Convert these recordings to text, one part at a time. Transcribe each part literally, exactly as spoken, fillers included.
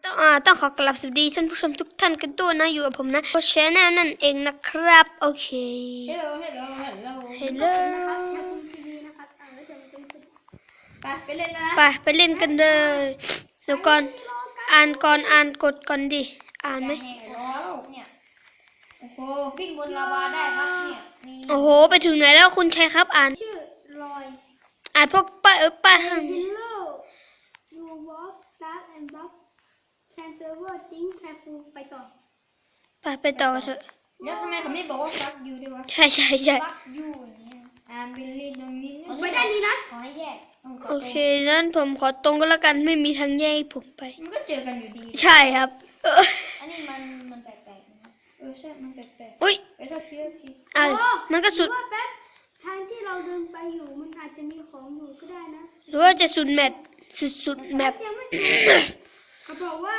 ต้องอ่าต้องขอกราบสวัสดีท่านผู้ชมทุกท่านกันด้วยนะอยู่กับผมนะโคชแนลนั่นเองนะครับโอเค Hello Hello Hello Hello นะครับชาคุณทีวีนะครับอ่านแล้วจะเป็นไปไปเล่นนะไปไปเล่นกันเลยเดี๋ยวก่อนอ่านก่อนอ่านกดก่อนดิอ่านไหมรอแล้วเนี่ยโอ้โหวิ่งบนลาวาได้ครับเนี่ยมีโอ้โหไปถึงไหนแล้วคุณชัยครับอ่านชื่อลอยอ่านพวกป้าเออป้าข้าง Hello you walk dark and block can server think careful ไปต่อไปไปต่อเถอะแล้วทำไมเขาไม่บอกว่า fuck you ด้วยวะใช่ใช่ใช่ fuck you อย่างเงี้ยอ่านบิลลี่โดมินไปได้ดีนะขอให้แยกโอเคงั้นผมขอตรงก็แล้วกันไม่มีทางแยกให้ผมไปมันก็เจอกันอยู่ดีใช่ครับเอออันนี้มันมันแปลกๆนะเออใช่มันแปลกอุ้ยๆไปเท่าทีเท่าทีอ่านมันก็สุดว่าแป๊บทางที่เราเดินไปอยู่มันอาจจะมีของอยู่ก็ได้นะหรือว่าจะสุดแมปสุดสุดแมปยังไม่สุดเขาบอกว่า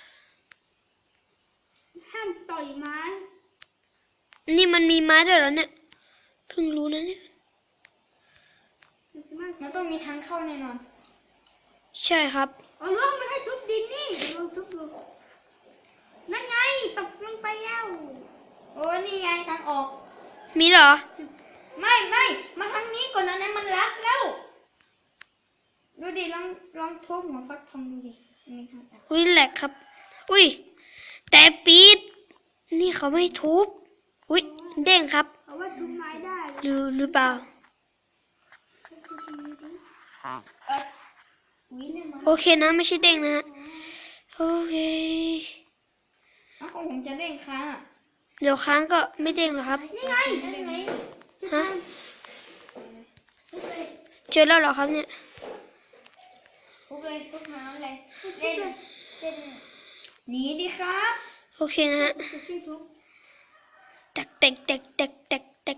ห้ามต่อยไม้นี่มันมีไม้ด้วยเหรอเนี่ยเพิ่งรู้นะเนี่ยมันต้องมีทางเข้าแน่นอนใช่ครับเอาล่วงมันให้ทุบดินนี่ลองทุบดูนั่นไงตกลงไปแล้วโอ้นี่ไงทางออกมีเหรอไม่ไม่มาทางนี้ก่อนนะนั้นมันรัดแล้ว ดูดิลองลองทุบหัวฟักทองดูดิมีทางออกอุ้ยแหลกครับ อุ้ยแต่ปีดนี่เขาไม่ทุบอุ้ยเด้งครับเอาว่าทุบไม้ได้หรือหรือเปล่าอุ้ยเนี่ยมันโอเคนะไม่ใช่เด้งนะฮะโอเคอ้าวของผมจะเด้งค้างอ่ะเดี๋ยวค้างก็ไม่เด้งหรอกครับนี่ไงนี่ไงฮะเจอแล้วเหรอครับเนี่ยทุบเลยทุบน้ำเลยเล่นเล่นหนีดิครับโอเคนะฮะจะช่วยทุบแตกแตกแตกแตกแตกแตก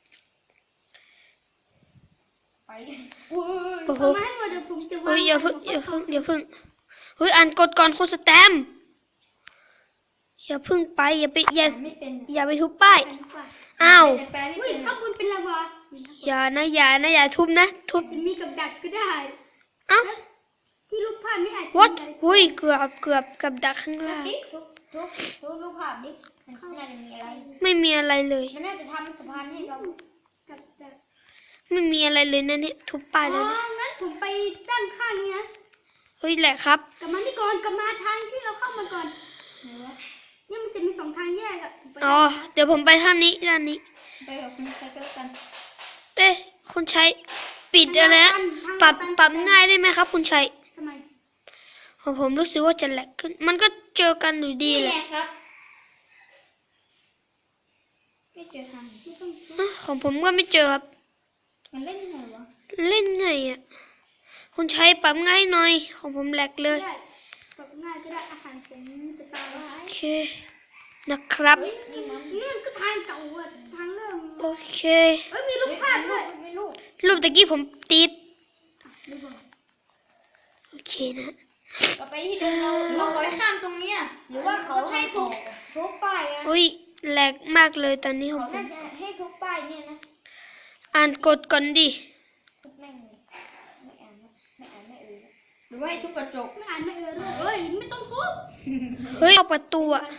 ไปอุ้ยโอ้โหเอามาให้หมดเดี๋ยวผมจะวางเฮ้ยอย่าเพิ่งอย่าเพิ่งอย่าเพิ่งเฮ้ยอ่านกดก่อนคุณสแตมป์อย่าเพิ่งไปอย่าไปอย่าไม่เป็นอย่าไปทุบป้ายอ้าวแต่แปลไม่อุ้ยเป็นถ้าคุณเป็นลาวาอย่านะอย่านะอย่าทุบนะทุบจะมีกับดักก็ได้เอ้าที่รูปภาพไม่อาจจะวัดมีอะไรหุยเกือบเกือบกับดักข้างล่างดิทุบทุบทุบรูปภาพดิมันน่าจะมีอะไรไม่มีอะไรเลยมันน่าจะทำสะพานให้เรากับดักไม่มีอะไรเลยนะเนี่ยทุบป้ายอ๋แล้อวนะงั้นผมไปด้านข้างนี้นะเฮ้ยแหละครับกลับมานี่ก่อนกลับมาทางที่เราเข้ามาก่อนไหนวะเนี่ยมันจะมีสองทางแยกอะผมไปอ๋อเดี๋ยวผมไปทางนี้ด้านนี้ไปกับคุณใช้ก็แล้วกันเอ๊ะคุณชัยปิดอะไรนะปรับปรับง่ายได้ไหมครับ คุณชัยทำไมของผมรู้สึกว่าจะแหลกขึ้น มันก็เจอกันอยู่ดีนี่แหไงละครับไม่เจอทางไม่ต้องอ่ะของผมก็ไม่เจอครับมันเล่นยังไงวะเล่นไงอ่ะคุณชัยปรับง่ายหน่อย ของผมแหลกเลยได้ปรับง่ายก็ได้อาหารผมจะตายแล้วโอเคนะครับนี่มันนี่มันก็ทางเก่าอะทางเริ่มโอเคเอ้ยมีรูปภาพด้วยไม่รู้รูปตะกี้ผมติดดูก่อนโอเคนะเราไปที่เดิมเราเราขอให้ข้ามตรงเนี้ยหรือว่าเขาให้ทุบทุบป้ายอะอุ้ยแหลกมากเลยตอนนี้ของเขาผน่าม จะให้ทุบป้ายเนี่ยนะอ่านกดก่อนดิทุบแม่งเลยไม่อ่านนะไม่อ่านไม่เอ่ยหรือว่าให้ทุบกระจกไม่อ่านไม่เออเลยเอ้ยไม่ต้องทุบเฮ้ยเข้าประตูอ่ะ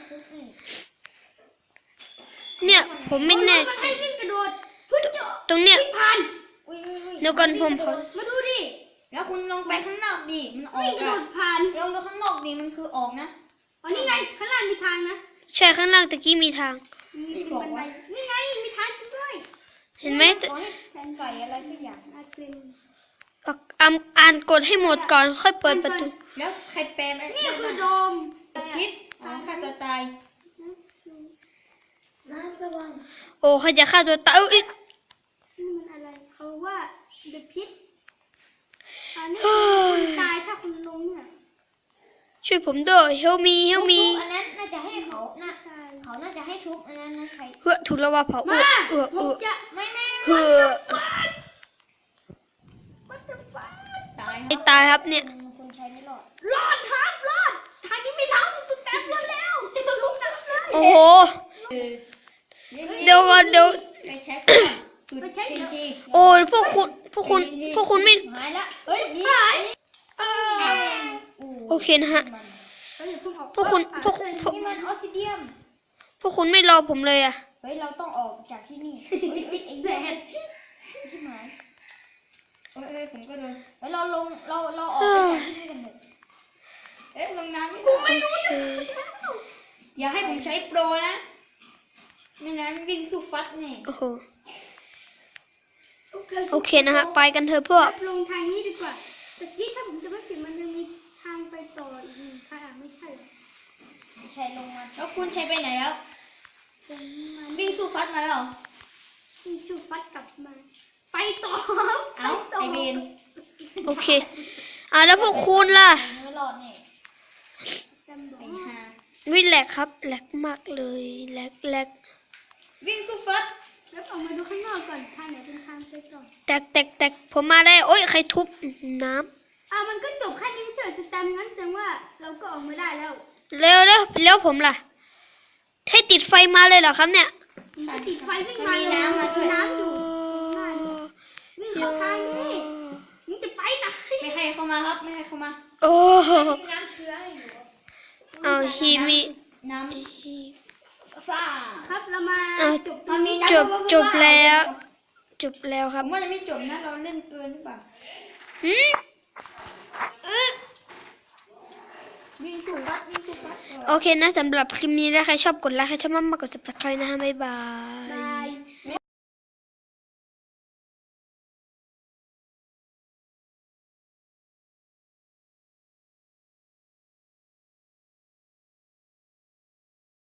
เนี่ยผมไม่แน่มันใจให้วิ่งกระโดดพุ่งเจาะตรงเนี้ยวิ่งผ่านอุ้ยอุ้ยอุ้ยเดี๋ยวก่อนผมขอมาดูดิแล้วคุณลงไปข้างนอกดิมันออวิ่งกกระโดอะดผ่านลองดูข้างนอกดิมันคือออกนะอ๋อนี่ไงข้างล่างมีทางนะใช่ข้างล่างตะกี้มีทางมีบันไดนี่ไงมีทางจริงด้วยเห็นไหมขอให้ฉันใส่อะไรสักอย่างอาจเป็นอ่ะอ่านอ่านกดให้หมดก่อน ค่อยเปิดประตูแล้วใครแปลไหมนี่คือโดมพิษอ๋อฆ่าตัวตายน้ำระวังโอ้ใครจะฆ่าตัวตายเอ้ยนี่มันอะไรเขาว่าเดอะพิษอันนี้คนตายถ้าคุณลงเนี่ยช่วยผมด้วยเฮลมีเฮลมีอันนั้นน่าจะให้เขาน่าเขาน่าจะให้ทุบอันนั้นนะใครเฮ้อถูกแล้วว่าเผาเอมาอเออผเอมอจะไม่ไม่เฮ้อวัตถุฟ้าตายไม่ตายครับเนี่ยคุณใช้ไม่รอดรอดครับรอดทางนี้ไม่ล้ำสุดแต้มรอดแล้วลุกน้ำเลยโอ้โห เดี๋ยวก่อนเดี๋ยวไปเช็คก่อนจุดทีทีโอ้ยพวกคุณพวกคุณพวกคุณไม่หายละเฮ้ยนี่หายเออโอเคนะฮะเอฮ้ยอย่าเพิ่งออกพวกคุณอ่ะพวกเชิญพวกนี่มันออสซิเดียมพวกคุณไม่รอผมเลยอะเฮ้ยเราต้องออกจากที่นี่เฮ้ยเฮ้ยไอ้เสร็เหี้ยจใช่ไหมเอ้ยเอ้ยผมก็เดินเฮ้ยเราลงเราเราออกไปจากที่นี่กันเถอะเอ๊ะลงน้ำไม่ได้โอเคอย่าให้ผมใช้โปรนะ ไม่นั้นวิ่งสู้ฟัดเนี่ยโอ้โหโอเคนะฮะไปกันเถอะพวกลงทางนี้ดีกว่าตะกี้ถ้าผมจะไม่ผิดมันจะมีทางไปต่ออีกหนึ่งทางอ่ะไม่ใช่เหรอใช้ลงมาแล้วคุณใช้ไปไหนแล้วตรงมาวิ่งสู้ฟัดมาแล้วเหรอมีชูฟัดกลับมา ไปต่อเอ้าปต่ไอเบนโอเคอ่ะแล้วพวกคุณล่ะไม่รอดเนี่ยจำบอกไอ้ว่าห่าวิแหลกครับแหลกมากเลยแหลกแหลกวิ่งสู้ฟัดแล้วออกมาดูข้างนอกก่อนทางไหนเป็นทางไปต่อแตกแตกแตกผมมาได้โอ้ยใครทุบน้อ่ะมันก็จบแค่นี้ไม่ใช่เหรอสแตมป์งั้นแสดงว่าเราก็ออกมาได้แล้วำเร็วเร็วแล้วผมล่ะให้ติดไฟมาเลยเหรอครับเนี่ยมันติดไฟวิ่งมาเลยน้ำมาด้วยน้ำอยู่ง่ายเลยวิ่งเข้าทางนี่มึงจะไปไหนไม่ให้เข้ามาครับไม่ให้เข้ามาโอ้โหมีน้ำเชื้ออยู่เอาฮีมีน้ำฟ้าครับเรามาอ่ะจบมันมีจบจบแล้ว จบแล้วคผรับมว่าจะไม่จบนะเราเล่นเกินหรือเปล่าหืมเอ๊ะวิ่งสู้ฟัดวิ่งสู้ฟัดโอเคนะสำหรับคลิปนี้ถ้าใครชอบกดไลค์ใครชอบมากๆกด ซับสไครบ์ นะฮะบ๊ายบาย